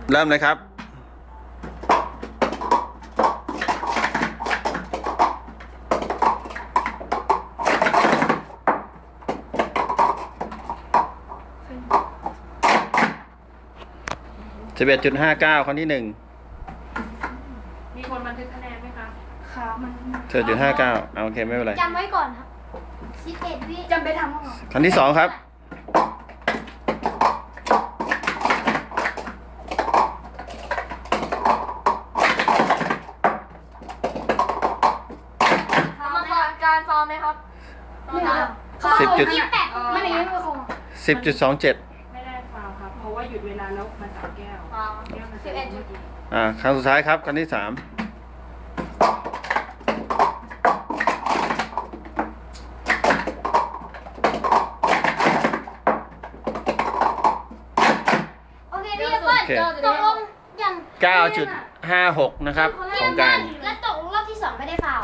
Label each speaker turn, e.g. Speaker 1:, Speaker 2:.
Speaker 1: เริ่มเลยครับ11.59 ครั้งที่1
Speaker 2: มีคนบันทึกคะแนนไหมคะ
Speaker 3: ค่ะมัน
Speaker 1: 11.59โอเคไม่เป็นไร
Speaker 3: จำไว้ก่อนครับ11 วิจำไปทำก่อน
Speaker 1: ครั้งที่2ครับ
Speaker 3: การซ้อมไหมครับไม่ได้ยินคง
Speaker 1: 10.27
Speaker 2: ไม่ได้ฟาวครับเพราะว่าหยุดเวลาแล้วมาจับแก้วแก้วมันจะ11
Speaker 1: ครั้งสุดท้ายครับครั้งที่3
Speaker 3: โอเคพี่เปิ้ลตกลงอย่าง
Speaker 1: 9.56 นะครับของการ
Speaker 3: และตกรอบที่2ไม่ได้ฟาว